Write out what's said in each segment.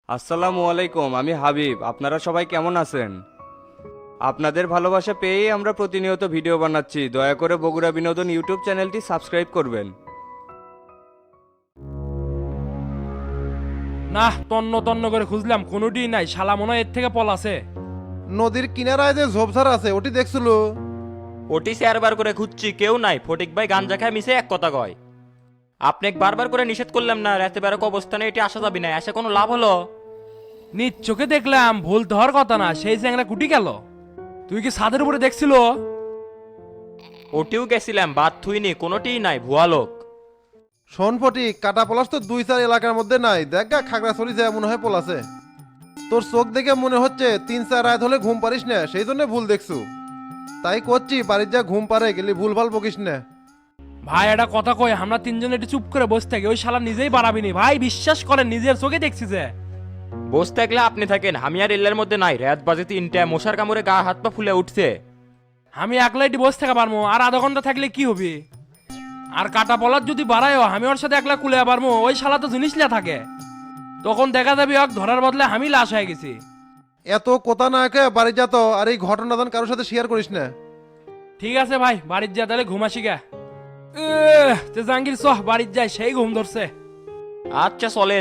আসসালামু আলাইকুম, আমি হাবিব। আপনারা সবাই কেমন আছেন? আপনাদের ভালোবাসা পেয়েই আমরা প্রতিনিয়ত ভিডিও বানাচ্ছি। দয়া করে বগুড়া বিনোদন ইউটিউব চ্যানেলটি সাবস্ক্রাইব করবেন। না, তন্ন তন্ন করে খুঁজলাম, কোনোটি নাই। শালা মনে হয় এর থেকে পলাছে। নদীর কিনারায় যে ঝোপঝাড় আছে ওটি দেখছিল? ওটি চারবার করে খুঁজছি, কেউ নাই। ফটিক ভাই গাঞ্জা খায় মিশে এক কথা কয়। আপনাকে বারবার করে নিষেধ করলাম না, রাতে বেরোক অবস্থানে এটি আসা যাবি না। এসে কোনো লাভ হলো? নিজ চোখে দেখলাম, ভুল তো হওয়ার কথা না। সেই চ্যাংরা কুটি গেল। তুই কি ছাদের উপরে দেখছিল? ওটিও গেছিলাম, বাদ থুইনি, কোনোটিই নাই, ভুয়া লোক। শোন ফটিক, কাটা পলাশ তো 2-4 এলাকার মধ্যে নাই। দেখ গা খাগড়াছড়ি যায় মনে হয় পলাছে। তোর চোখ দেখে মনে হচ্ছে 3-4 রাত হলে ঘুম পারিস না, সেই জন্য ভুল দেখছু। তাই করছি, বাড়ির যা ঘুম পারে গেলি ভুল ভাল বকিস না। ভাই একটা কথা কই, আমরা তিনজন একটু চুপ করে বসে থাকি। ওই শালা নিজেই বাড়াবিনি ভাই, বিশ্বাস করেন, নিজের চোখে দেখছি যে। বসে থাকলে আপনি থাকেন, আমি আর এল্লার মধ্যে নাই। রাত বাজে 3টা, মশার কামড়ে গা হাত পা ফুলে উঠছে। আমি একলাই বসে থাকা পারবো, আর আধা ঘন্টা থাকলে কি হবে? আর কাটা পলার যদি বাড়ায়ও, আমি ওর সাথে একলা কুলে পারবো। ওই শালা তো জিনিস লিয়া থাকে, তখন দেখা যাবে ওকে ধরার বদলে আমি লাশ হয়ে গেছি। এত কথা না কে বাড়ি যা তো, আর এই ঘটনাদান কারোর সাথে শেয়ার করিস না। ঠিক আছে ভাই, বাড়ির যা তাহলে ঘুমাসি গা। তে জাহাঙ্গীর সহ বাড়ির যাই, সেই ঘুম ধরছে। আচ্ছা চলেন।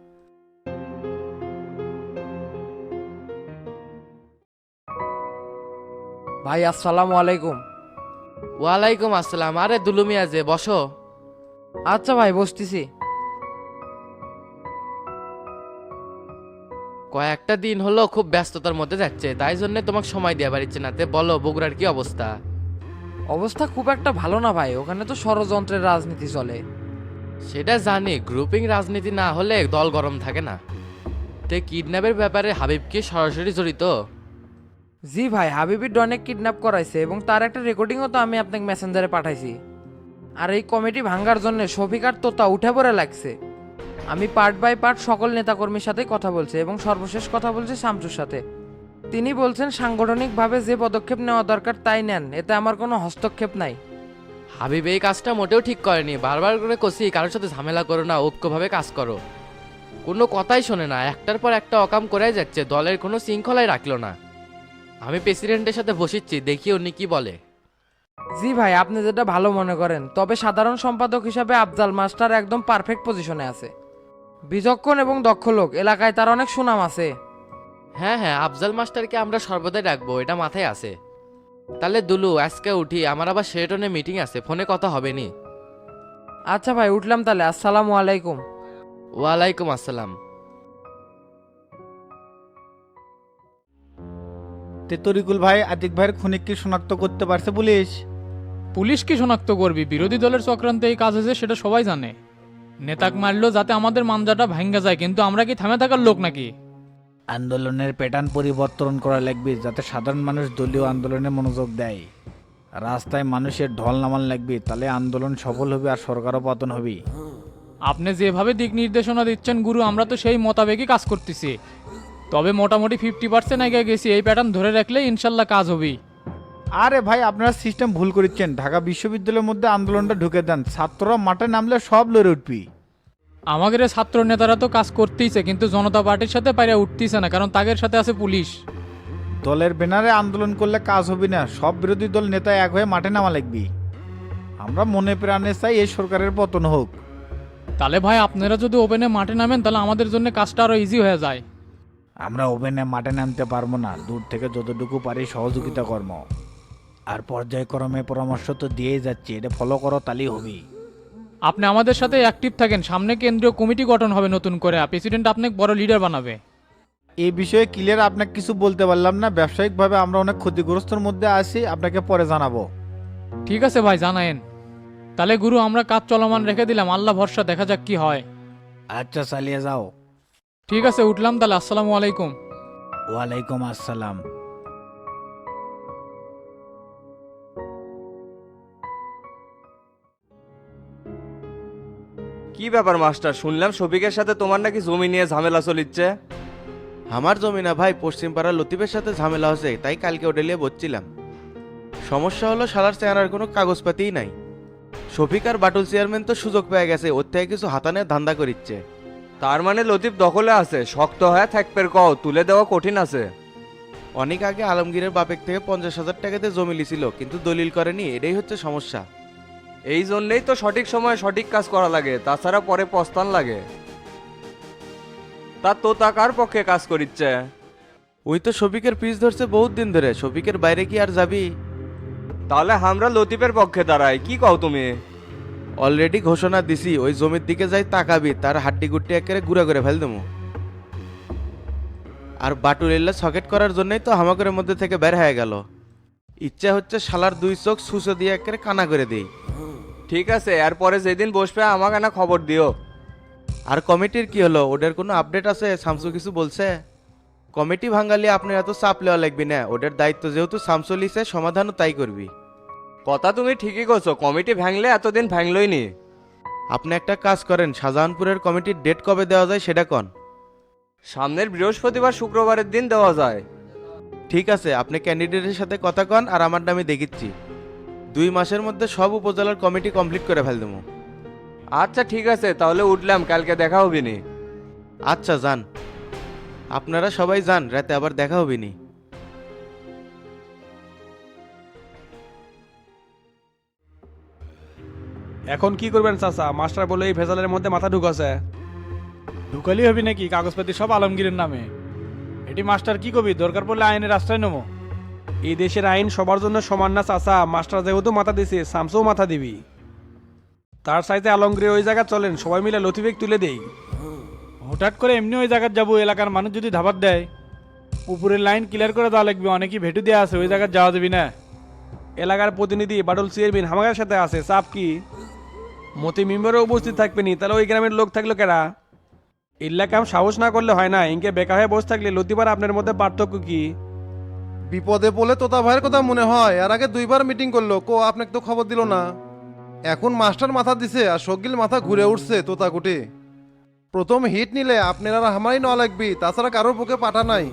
ভাই আসসালামু আলাইকুম। ওয়ালাইকুম আসসালাম। আরে দুলুমিয়া যে, বসো। আচ্ছা ভাই, বসতেছি। কয়েকটা দিন হলো খুব ব্যস্ততার মধ্যে যাচ্ছে, তাই জন্য তোমাকে সময় দেওয়া পারছি না। তে বলো, বগুড়ার কি অবস্থা? অবস্থা খুব একটা ভালো না ভাই, ওখানে তো ষড়যন্ত্রের রাজনীতি চলে। সেটা জানি, গ্রুপিং রাজনীতি না হলে দল গরম থাকে না। তে কিডন্যাপের ব্যাপারে হাবিব কি সরাসরি জড়িত? জি ভাই, হাবিবির অনেক কিডন্যাপ করাইছে এবং তার একটা রেকর্ডিংও তো আমি আপনাকে মেসেঞ্জারে পাঠাইছি। আর এই কমিটি ভাঙ্গার জন্য শফিক আর তোতা উঠে পড়ে লাগছে। আমি পার্ট বাই পার্ট সকল নেতাকর্মীর সাথে কথা বলছি এবং সর্বশেষ কথা বলছি শামসুর সাথে। তিনি বলছেন সাংগঠনিকভাবে যে পদক্ষেপ নেওয়া দরকার তাই নেন, এতে আমার কোনো হস্তক্ষেপ নাই। হাবিব এই কাজটা মোটেও ঠিক করেনি। বারবার করে কষি, কারোর সাথে ঝামেলা করো না, ঐক্যভাবে কাজ করো। কোনো কথাই শোনে না, একটার পর একটা অকাম করে যাচ্ছে, দলের কোনো শৃঙ্খলাই রাখলো না। আমি প্রেসিডেন্টের সাথে বসিচ্ছি, দেখি উনি কি বলে। জি ভাই, আপনি যেটা ভালো মনে করেন, তবে সাধারণ সম্পাদক হিসাবে আফজাল মাস্টার একদম পারফেক্ট পজিশনে আছে। বিচক্ষণ এবং দক্ষ লোক, এলাকায় তার অনেক সুনাম আছে। হ্যাঁ হ্যাঁ, আফজাল মাস্টারকে আমরা সর্বদাই রাখবো, এটা মাথায় আছে। তাহলে দুলু, আজকে উঠি, আমার আবার শেরটনে মিটিং আছে, ফোনে কথা হবে নি। আচ্ছা ভাই, উঠলাম তাহলে। আসসালামু আলাইকুম। ওয়ালাইকুম আসসালাম। তরিকুল ভাই, আতিক ভাইয়ের খুনিক কি শনাক্ত করতে পারছে পুলিশ? পুলিশ কি শনাক্ত করবি? বিরোধী দলের চক্রান্তে এই কাজ হয়েছে সেটা সবাই জানে। নেতাক মারলো যাতে আমাদের মানজাটা ভাঙ্গা যায়, কিন্তু আমরা কি থামে থাকার লোক নাকি? আন্দোলনের প্যাটার্ন পরিবর্তন করা লাগবে, যাতে সাধারণ মানুষ দলীয় আন্দোলনে মনোযোগ দেয়। রাস্তায় মানুষের ঢল নামান লাগবে, তাহলে আন্দোলন সফল হবে আর সরকারও পতন হবে। আপনি যেভাবে দিক নির্দেশনা দিচ্ছেন গুরু, আমরা তো সেই মোতাবেকই কাজ করতেছি। তবে মোটামুটি 50% এগিয়ে গেছি। এই প্যাটার্ন ধরে রাখলে ইনশাল্লাহ কাজ হবেই। আরে ভাই, আপনারা সিস্টেম ভুল করেছেন। ঢাকা বিশ্ববিদ্যালয়ের মধ্যে আন্দোলনটা ঢুকে দেন, ছাত্ররা মাঠে নামলে সব লড়ে উঠবি। আমাদের এই ছাত্র নেতারা তো কাজ করতেইছে, কিন্তু জনতা পার্টির সাথে পাইরা উঠতেইছে না, কারণ তাদের সাথে আছে পুলিশ। দলের ব্যানারে আন্দোলন করলে কাজ হবে না, সব বিরোধী দল নেতা এক হয়ে মাঠে নামা লাগবি। আমরা মনে প্রাণে চাই এই সরকারের পতন হোক। তাহলে ভাই, আপনারা যদি ওপেনে মাঠে নামেন তাহলে আমাদের জন্য কাজটা আরো ইজি হয়ে যায়। আমরা ওপেনে মাঠে নামতে পারবো না, দূর থেকে যতটুকু পারি সহযোগিতা কর্ম আর পর্যায়ক্রমে পরামর্শ তো দিয়েই যাচ্ছি, এটা ফলো করো, তালি হবি। আপনি আমাদের সাথে অ্যাক্টিভ থাকেন। সামনে কেন্দ্রীয় কমিটি গঠন হবে নতুন করে, প্রেসিডেন্ট আপনাকে বড় লিডার বানাবে। এই বিষয়ে ক্লিয়ার আপনাকে কিছু বলতে পারলাম না, ব্যবসায়িকভাবে আমরা অনেক ক্ষতিগ্রস্তর মধ্যে আছি, আপনাকে পরে জানাবো। ঠিক আছে ভাই, জানায়েন। তাহলে গুরু, আমরা কাজ চলমান রেখে দিলাম, আল্লাহ ভরসা, দেখা যাক কি হয়। আচ্ছা, চালিয়ে যাও। ঠিক আছে, উঠলাম তাহলে। আসসালামু আলাইকুম। ওয়ালাইকুম আসসালাম। কি ব্যাপার মাস্টার, শুনলাম শফিকের সাথে তোমার নাকি জমি নিয়ে ঝামেলা চলিচ্ছে? আমার জমি না ভাই, পশ্চিম পাড়ার লতিফের সাথে ঝামেলা হচ্ছে, তাই কালকে ওটা নিয়ে বলছিলাম। সমস্যা হলো শালার চেহারার কোনো কাগজপাতিই নাই। শফিক আর বাটুল চেয়ারম্যান তো সুযোগ পেয়ে গেছে, ওর থেকে কিছু হাতানের ধান্দা করিচ্ছে। তার মানে লতিফ দখলে আছে, শক্ত হয়ে থাকপের কও, তুলে দেওয়া কঠিন আছে। অনেক আগে আলমগীরের বাপেক থেকে 50,000 টাকাতে জমি লিছিল, কিন্তু দলিল করেনি, এটাই হচ্ছে সমস্যা। এই জন্যেই তো সঠিক সময়ে সঠিক কাজ করা লাগে, তাছাড়া পরে পস্তান লাগে। তা তোতা কার পক্ষে কাজ করিচ্ছে? ওই তো শফিকের পিছ ধরছে বহুত দিন ধরে, শফিকের বাইরে কি আর যাবি? তাহলে আমরা লতিফের পক্ষে দাঁড়াই, কি কও তুমি? অলরেডি ঘোষণা দিছি, ওই জমির দিকে যাই তাকাবি, তার হাড্ডি গুড্ডি একেবারে গুঁড়া করে ফেল দেবো। আর বাটুলিল্লা সকেট করার জন্যই তো হামাকরের মধ্যে থেকে বের হয়ে গেল। ইচ্ছা হচ্ছে শালার 2 চোখ সুসো দিয়ে একেবারে কানা করে দেই। ঠিক আছে, এরপরে যেদিন বসবে আমাকে না খবর দিও। আর কমিটির কি হলো, ওদের কোনো আপডেট আছে? শামসু কিছু বলছে? কমিটি ভাঙালি আপনার এত চাপ লেওয়া লাগবি না, ওদের দায়িত্ব যেহেতু শামসু লিছে, সমাধানও তাই করবি। কথা তুমি ঠিকই করছো, কমিটি ভাঙলে এতদিন ভাঙলই নি। আপনি একটা কাজ করেন, শাহজাহানপুরের কমিটির ডেট কবে দেওয়া যায় সেটা কন। সামনের বৃহস্পতিবার শুক্রবারের দিন দেওয়া যায়। ঠিক আছে, আপনি ক্যান্ডিডেটের সাথে কথা কন, আর আমার নামে দেখিচ্ছি 2 মাসের মধ্যে সব উপজেলার কমিটি কমপ্লিট করে ফেল দেবো। আচ্ছা ঠিক আছে, তাহলে উঠলাম, কালকে দেখা হবে নি। আচ্ছা যান, আপনারা সবাই যান, রাতে আবার দেখা হবে নি। এখন কি করবেন চাচা? মাস্টার বলে এই ভেজালের মধ্যে মাথা ঢুকাছে। ঢুকালি হবি নাকি? কাগজপাতি সব আলমগীরের নামে। এটি মাস্টার কি কবি, দরকার পড়লে আইনের রাস্তায় নেবো। এই দেশের আইন সবার জন্য সমান না চাচা? মাস্টার যেহেতু মাথা দিছে, শামসুও মাথা দিবি। তার সাইতে আলমগীর ওই জায়গা চলেন, সবাই মিলে লতিফেক তুলে দেই। হঠাৎ করে এমনি ওই জায়গায় যাবো, এলাকার মানুষ যদি ধাবার দেয়, উপরের লাইন ক্লিয়ার করে দেওয়া লাগবে, অনেকই ভেটু দেওয়া আছে, ওই জায়গায় যাওয়া যাবি না। এলাকার প্রতিনিধি বাডল চেয়ারম্যান হামাগার সাথে আছে, চাপ কি? মতি মেম্বারও উপস্থিত থাকবে নি, তাহলে ওই গ্রামের লোক থাকলো কেরা? ইল্লা কাম সাহস না করলে হয় না, ইনকে বেকা হয়ে বসে থাকলে লতিফার আপনার মধ্যে পার্থক্য কি? বিপদে বলে তোতা ভাইয়ের কথা মনে হয়, এর আগে 2বার মিটিং করলো, কো আপনাকে তো খবর দিল না। এখন মাস্টার মাথা দিছে আর শকিল মাথা ঘুরে উঠছে তোতা কুটি। প্রথম হিট নিলে আপনারা আমারই নেওয়া লাগবি, তাছাড়া কারোর পক্ষে পাঠা নাই।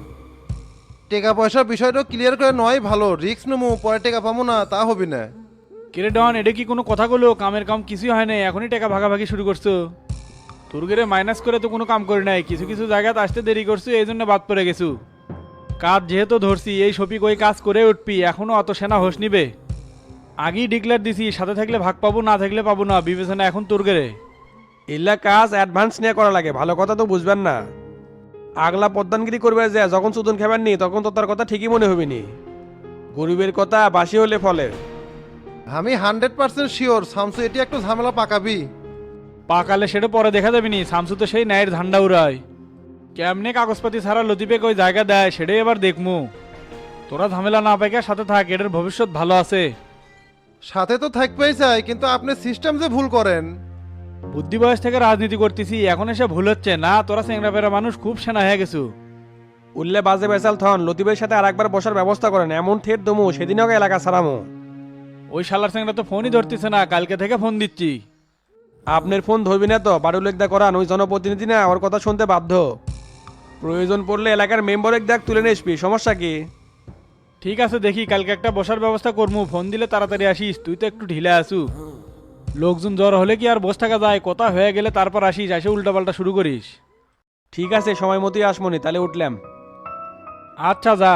টাকা পয়সার বিষয়টা ক্লিয়ার করে নয় ভালো, রিস্ক নেবো, পরে টাকা পাবো না তা হবি না। কিরে ডন, এটা কি কোনো কথা বলো? কামের কাম কিছুই হয় নাই, এখনই টাকা ভাগাভাগি শুরু করছো। তোর গেরে মাইনাস করে তো কোনো কাম করি নাই, কিছু কিছু জায়গাতে আসতে দেরি করছো, এই জন্য বাদ পড়ে গেছু। কাজ যেহেতু ধরছি, এই শফিক ওই কাজ করে উঠবি, এখনো অত সেনা হোস নিবে। আগেই ডিক্লেয়ার দিছি, সাথে থাকলে ভাগ পাবো, না থাকলে পাবো না, বিবেচনা এখন তোর গেরে। ইল্লা কাজ অ্যাডভান্স নিয়ে করা লাগে, ভালো কথা তো বুঝবেন না। আগলা পদ্মানগিরি করবে যে, যখন চুদন খাবেন নি তখন তো তার কথা ঠিকই মনে হবে নি। গরিবের কথা বাসি হলে ফলে। আমি 100% শিওর শামসু এটি একটু ঝামেলা পাকাবি। পাকালে সেটা পরে দেখা যাবে নি, শামসু তো সেই ন্যায়ের ঝান্ডা উড়ায়। কেমনে কাগজপাতি ছাড়া লতিফেক ওই জায়গা দেয় সেটাই এবার দেখমু। তোরা ঝামেলা না পাইকা সাথে থাক, এটার ভবিষ্যৎ ভালো আছে। সাথে তো থাকবেই চাই, কিন্তু আপনি সিস্টেম যে ভুল করেন। বুদ্ধি বয়স থেকে রাজনীতি করতেছি, এখন এসে ভুল হচ্ছে না? তোরা চেংরা পেরা মানুষ, খুব সেনা হয়ে গেছু। উল্লে বাজে বেসাল থন, লতিফের সাথে আরেকবার বসার ব্যবস্থা করেন, এমন থেট দমু সেদিনও এলাকা ছাড়ামো। ওই শালার চেংরা তো ফোনই ধরতেছে না, কালকে থেকে ফোন দিচ্ছি। আপনার ফোন ধরবি না তো? বাড়ু লেখদা করান, ওই জনপ্রতিনিধি না, ওর কথা শুনতে বাধ্য। প্রয়োজন পড়লে এলাকার মেম্বার এক দেখ তুলে নিয়ে আসবি, সমস্যা কি? ঠিক আছে, দেখি কালকে একটা বসার ব্যবস্থা করবো, ফোন দিলে তাড়াতাড়ি আসিস, তুই তো একটু ঢিলে আসু। লোকজন জ্বর হলে কি আর বসে থাকা যায়? কথা হয়ে গেলে তারপর আসিস, এসে উল্টাপাল্টা শুরু করিস। ঠিক আছে, সময় মতোই আসমনি, তাহলে উঠলাম। আচ্ছা যা।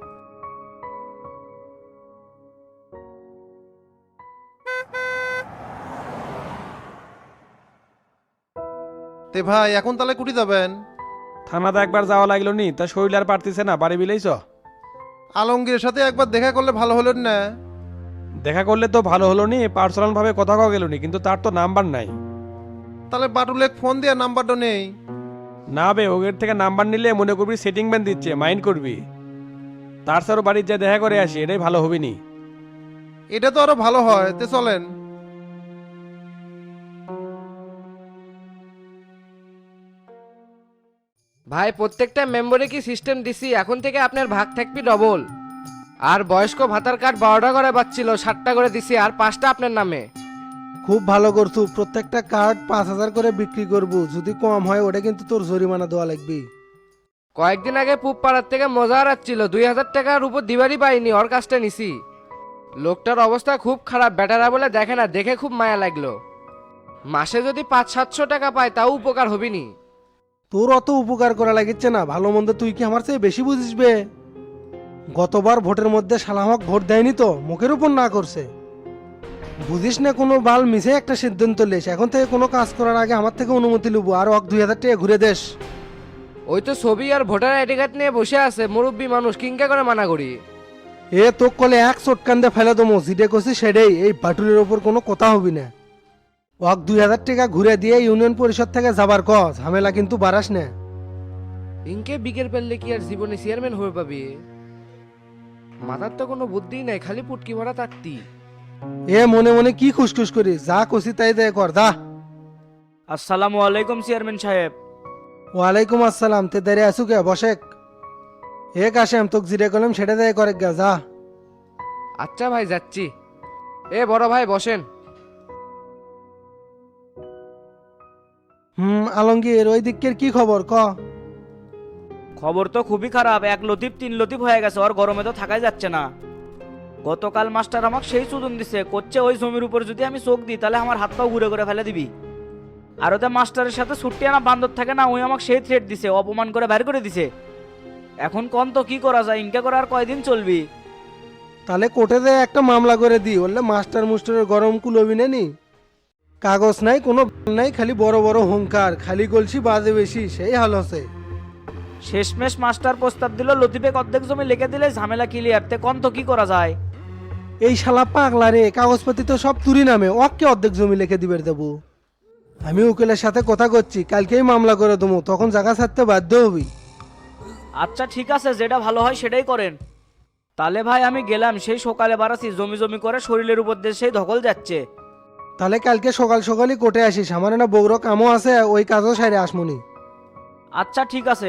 তে ভাই এখন তাহলে কুটি যাবেন? থানাতে একবার যাওয়া লাগলো নি, তা শরীর আর পারতেছে না, বাড়ি বিলেইছ। আলমগীরের সাথে একবার দেখা করলে ভালো হলো না? দেখা করলে তো ভালো হলো নি, পার্সোনাল ভাবে কথা কওয়া গেল নি, কিন্তু তার তো নাম্বার নাই। তাহলে বাটুলেক ফোন দিয়ে নাম্বারটা নেই। না বে, ওদের থেকে নাম্বার নিলে মনে করবি সেটিং ব্যান দিচ্ছে, মাইন্ড করবি। তার সারও বাড়ির যা দেখা করে আসি, এটাই ভালো হবে নি। এটা তো আরো ভালো হয়, তে চলেন। ভাই প্রত্যেকটা মেম্বারে কি সিস্টেম দিছি, এখন থেকে আপনার ভাগ থাকবি ডবল। আর বয়স্ক ভাতার কার্ড 12টা করে পাচ্ছিল, 7টা করে দিছি, আর 5টা আপনার নামে। খুব ভালো করছু, প্রত্যেকটা কার্ড 5,000 করে বিক্রি করবো, যদি কম হয় ওটা কিন্তু তোর জরিমানা দেওয়া লাগবে। কয়েকদিন আগে পুব পাড়ার থেকে মজা হারাচ্ছিল, 2,000 টাকার উপর দিবারই পাইনি, ওর কাজটা নিছি। লোকটার অবস্থা খুব খারাপ, বেটারা বলে দেখে না, দেখে খুব মায়া লাগলো। মাসে যদি 500-700 টাকা পায় তাও উপকার হবিনি। তোর অত উপকার করা লাগিচ্ছে না, ভালো মন্দ তুই কি আমার চেয়ে বেশি বুঝিসবে? গতবার ভোটের মধ্যে শালামক ভোট দেয়নি তো, মুখের উপর না করছে। বুঝিস না কোনো বাল মিশে একটা সিদ্ধান্ত লেস, এখন থেকে কোনো কাজ করার আগে আমার থেকে অনুমতি লুবো, আর 2000 টাকা ঘুরে দেশ। ওই তো ছবি আর ভোটার আইডি কার্ড নিয়ে বসে আছে, মুরব্বী মানুষ কিংকা করে মানা করি। এ তো কলে এক চটকান্দে ফেলে দমো, জিডে করছি সেটাই, এই বাটুলের ওপর কোনো কথা হবি না। 2000 টাকা ঘুরে দিয়ে ইউনিয়ন পরিষদ থেকে যাবার ক, ঝামেলা কিন্তু বাড়াস না। ইনকে বিকের পেললে কি আর জীবনে চেয়ারম্যান হয়ে পাবি? মাথার তো কোনো বুদ্ধি নাই, খালি পুটকি ভরা তাকতি। এ মনে মনে কি খুশখুশ করি, যা কষি তাই দে কর, যা। আসসালামু আলাইকুম চেয়ারম্যান সাহেব। ওয়ালাইকুম আসসালাম, তে দাঁড়িয়ে আসু কে, বসেক। এ কাশেম তোকে জিরে কলম সেটা দেয় করে গা, যা। আচ্ছা ভাই যাচ্ছি। এ বড় ভাই বসেন। আলমগীর ওই দিকের কি খবর ক? খবর তো খুবই খারাপ, 1 লতিফ 3 লতিফ হয়ে গেছে, ওর গরমে তো থাকাই যাচ্ছে না। গতকাল মাস্টার আমাকে সেই চুদন দিছে, করছে ওই জমির উপর যদি আমি চোখ দিই তাহলে আমার হাত পাও ঘুরে ঘুরে ফেলে দিবি। আর ওদের মাস্টারের সাথে ছুট্টি আনা বান্দর থাকে না, ওই আমাকে সেই থ্রেট দিছে, অপমান করে বের করে দিছে। এখন কোন তো কি করা যায়, ইনকা করে আর কয়দিন চলবি? তাহলে কোর্টে দে একটা মামলা করে দি, বললে মাস্টার মুস্টারের গরম কুলবি নি। কাগজ নাই, কোনো নাই, খালি বড় বড় হুঙ্কার, খালি গলছি বাজে বেশি, সেই হাল হচ্ছে। শেষমেশ মাস্টার প্রস্তাব দিল লতিফে অর্ধেক জমি লিখে দিলে ঝামেলা ক্লিয়ার, তে কোন তো কি করা যায়? এই শালা পাগলা রে, কাগজপাতি তো সব তুরি নামে, ওকে অর্ধেক জমি লিখে দিবে দেবো। আমি উকিলের সাথে কথা করছি, কালকেই মামলা করে দেবো, তখন জায়গা ছাড়তে বাধ্য হবি। আচ্ছা ঠিক আছে, যেটা ভালো হয় সেটাই করেন। তাহলে ভাই আমি গেলাম, সেই সকালে বাড়াছি, জমি জমি করে শরীরের উপর দিয়ে সেই ধকল যাচ্ছে। তাহলে কালকে সকাল সকালই কোর্টে আসিস, আমার না বগুড়ো কামও আছে, ওই কাজও সাইরে আসমনি। আচ্ছা ঠিক আছে।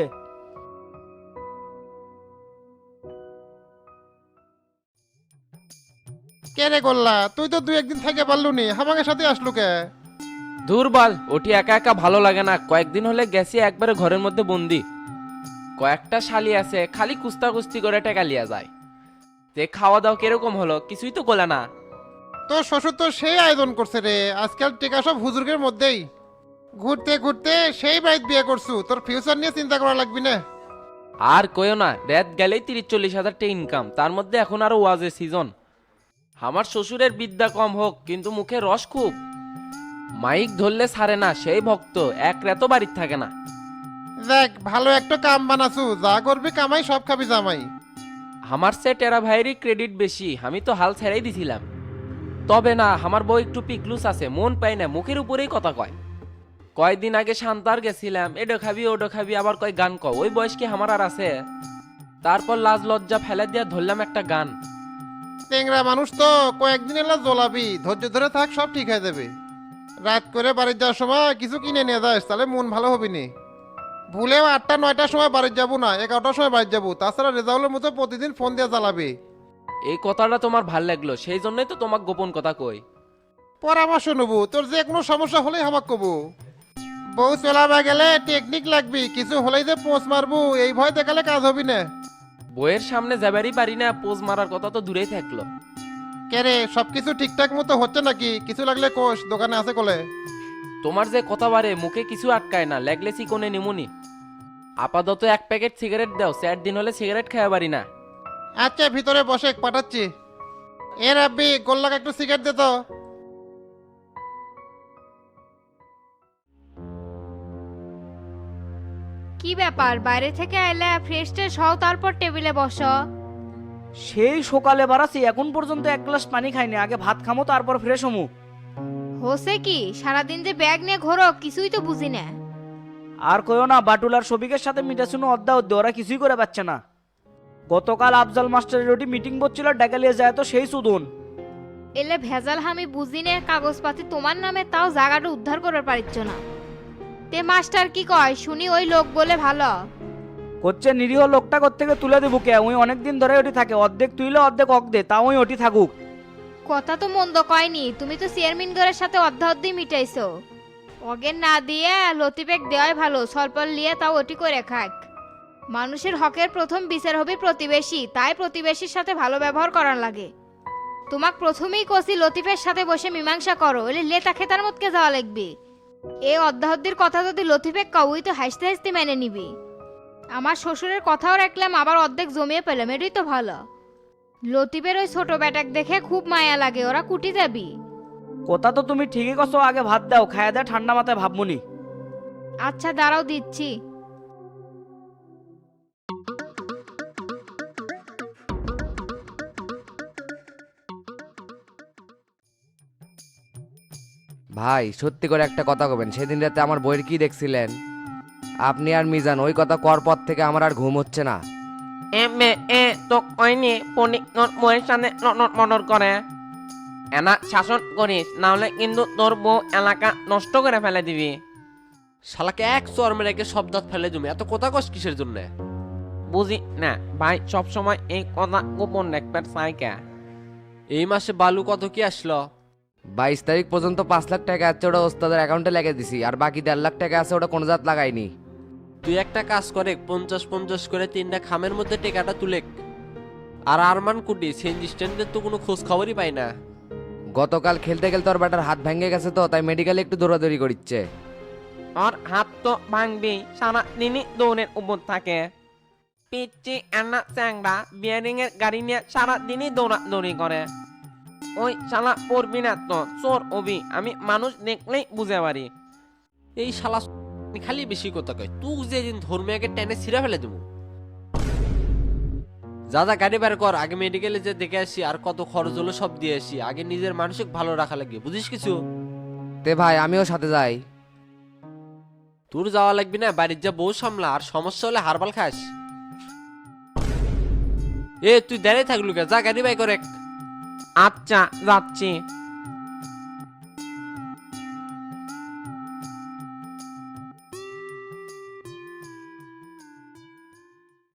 কে রে গোল্লা, তুই তো 2-1 দিন থেকে পারলু নি, আমাকে সাথে আসলু কে? দুর্বল ওটি একা একা ভালো লাগে না, কয়েকদিন হলে গেছি একবারে ঘরের মধ্যে বন্দি। কয়েকটা শালি আছে, খালি কুস্তা কুস্তি করে টেকা লিয়া যায়। তে খাওয়া দাওয়া কিরকম হলো, কিছুই তো গোলা না। তোর শ্বশুর তো সেই আয়োজন করছে রে, আজকাল টেকা সব হুজুরের মধ্যেই। ঘুরতে ঘুরতে সেই বাড়িতে বিয়ে করছু, তোর ফিউচার নিয়ে চিন্তা করা লাগবি না। আর কইও না, রাত গেলেই 30-40 হাজার টাকা ইনকাম, তার মধ্যে এখন আরো ওয়াজের সিজন। আমার শ্বশুরের বিদ্যা কম হোক কিন্তু মুখে রস খুব, মাইক ধরলে ছাড়ে না, সেই ভক্ত, এক রাতও বাড়ির থাকে না। দেখ ভালো একটা কাম বানাছু, যা করবি কামাই সব খাবি জামাই। আমার সে টেরা ভাইয়েরই ক্রেডিট বেশি, আমি তো হাল ছেড়েই দিছিলাম। তবে না, আমার বউ একটু পিকলুস আছে, মন পাই না, মুখের উপরেই কথা কয়। কয়দিন আগে শান্তার গেছিলাম, এডো খাবি ওডো খাবি, আবার কয় গান ক, ওই বয়স কি আমার আর আছে? তারপর লাজ লজ্জা ফেলে দিয়া ধরলাম একটা গান। টেংরা মানুষ তো, কয়েকদিন এলা জ্বলাবি, ধৈর্য ধরে থাক, সব ঠিক হয়ে যাবে। রাত করে বাড়ি যাওয়ার সময় কিছু কিনে নিয়ে যাস, তাহলে মন ভালো হবি নি। ভুলেও 8টা-9টার সময় বাড়ি যাবো না, 11টার সময় বাড়ি যাবো, তাছাড়া রেজাউলের মতো প্রতিদিন ফোন দিয়ে জ্বালাবি। এই কথাটা তোমার ভাল লাগলো, সেই জন্যই তো তোমাকে গোপন কথা কই। পরামর্শ নেবো, তোর যে কোনো সমস্যা হলেই আমাকে কবো। বউ চলাবে গেলে টেকনিক লাগবি, কিছু হলেই যে পোঁচ মারবো এই ভয় দেখালে কাজ হবি না। বইয়ের সামনে যাবারই পারি না, পোজ মারার কথা তো দূরেই থাকলো। কে রে, সবকিছু ঠিকঠাক মতো হচ্ছে নাকি? কিছু লাগলে কোষ, দোকানে আছে কোলে। তোমার যে কথা বারে, মুখে কিছু আটকায় না, লাগলে চিকনে নিমুনি। আপাতত 1 প্যাকেট সিগারেট দাও, 4 দিন হলে সিগারেট খাওয়া পারি না। আচ্ছা ভিতরে বসে পাঠাচ্ছি। এ রাব্বি, গোল্লাকে একটু সিগারেট দে তো। কি ব্যাপার, বাইরে থেকে আইলে ফ্রেশ ট্রেশ হও, তারপর টেবিলে বসো। সেই সকালে বাড়াছি, এখন পর্যন্ত 1 গ্লাস পানি খাইনি, আগে ভাত খামো তারপর ফ্রেশ হমু। হোসে কি সারাদিন যে ব্যাগ নিয়ে ঘোরো, কিছুই তো বুঝি না। আর কইও না, বাটুল আর শফিকের সাথে মিটাশুনো অদ্দা অদ্দে, ওরা কিছুই করে পাচ্ছে না। গতকাল আফজাল মাস্টারের ওটি মিটিং বসছিল, ডাকালিয়ে যায় তো সেই সুদন। এলে ভেজাল আমি বুঝি নে, কাগজপাতি তোমার নামে, তাও জায়গাটা উদ্ধার করতে পারিচ্ছ না। তে মাস্টার কি কয় শুনি, ওই লোক বলে ভালো করছে, নিরীহ লোকটা থেকে তুলে দেবো কে? ওই অনেকদিন ধরে ওটি থাকে, অর্ধেক তুইলে অর্ধেক অক দে, তাও ওই ওটি থাকুক। কথা তো মন্দ কয়নি, তুমি তো চেয়ারম্যান ঘরের সাথে অর্ধি মিটাইছো। অগের না দিয়ে লতিবেগ দেওয়াই ভালো, স্বল্প লিয়ে তাও ওটি করে খাক। মানুষের হকের প্রথম বিচার হবে প্রতিবেশী, তাই প্রতিবেশীর সাথে ভালো ব্যবহার করার লাগে। তোমাক প্রথমেই কষি লতিফের সাথে বসে মীমাংসা করো, এলে লেতা খেতার মতকে যাওয়া লাগবে। এই অর্ধাহদ্দির কথা যদি লতিফেক কাউই তো হাসতে হাসতে মেনে নিবি। আমার শ্বশুরের কথাও রাখলাম, আবার অর্ধেক জমিয়ে পেলাম, এটাই তো ভালো। লতিফের ওই ছোট বেটাক দেখে খুব মায়া লাগে, ওরা কুটি যাবি। কথা তো তুমি ঠিকই কছো, আগে ভাত দাও, খায়া দেয় ঠান্ডা মাথায় ভাবমুনি। আচ্ছা দাঁড়াও দিচ্ছি। ভাই সত্যি করে একটা কথা কবেন, সেদিন রাতে আমার বইয়ের কি দেখছিলেন? আপনি আর মিজান ওই কথা কর পর থেকে আমার আর ঘুম হচ্ছে না। তো কয়নি পনিক বইয়ের সামনে মনর করে এনা শাসন করিস, না হলে কিন্তু তোর বউ এলাকা নষ্ট করে ফেলে দিবি। শালাকে এক চর মেরেকে সব দাঁত ফেলে দিবি, এত কথা কস কিসের জন্য বুঝি না ভাই। সব সময় এই কথা গোপন রাখবার চাইকা। এই মাসে বালু কত কি আসলো? 22 তারিখ পর্যন্ত 5 লাখ টাকা আছে, ওটা ওস্তাদের অ্যাকাউন্টে লাগিয়ে দিছি, আর বাকি 1.5 লাখ টাকা আছে, ওটা কোনো জাত লাগাইনি। তুই একটা কাজ করে 50-50 করে 3টা খামের মধ্যে টেকাটা তুলে। আর আরমান কুটি সিএনজি স্ট্যান্ডের তো কোনো খোঁজ খবরই পাই না। গতকাল খেলতে খেলতে ওর ব্যাটার হাত ভেঙে গেছে, তো তাই মেডিকেলে একটু দৌড়াদৌড়ি করিচ্ছে। আর হাত তো ভাঙবি, সারা দিনই দৌড়ের উপর থাকে। পিচ্ছি আন্না চ্যাংড়া বিয়ারিং এর গাড়ি নিয়ে সারা দিনই দৌড়াদৌড়ি করে। ওই শালা পড়বি না তো, চোর অবি, আমি মানুষ দেখলেই বুঝে পারি। এই শালা খালি বেশি কথা কয়, তুই যেদিন ধর্মীয়কে টেনে ছিঁড়ে ফেলে দেবো। যা যা গাড়ি বের কর, আগে মেডিকেলে যে দেখে আসি, আর কত খরচ হলো সব দিয়ে আসি। আগে নিজের মানসিক ভালো রাখা লাগে, বুঝিস কিছু? তে ভাই আমিও সাথে যাই। তোর যাওয়া লাগবি না, বাড়ির যা বউ সামলা, আর সমস্যা হলে হারবাল খাস। তুই দাঁড়িয়ে থাকলু কে, যা গাড়ি বাই করে। আচ্ছা যাচ্ছি।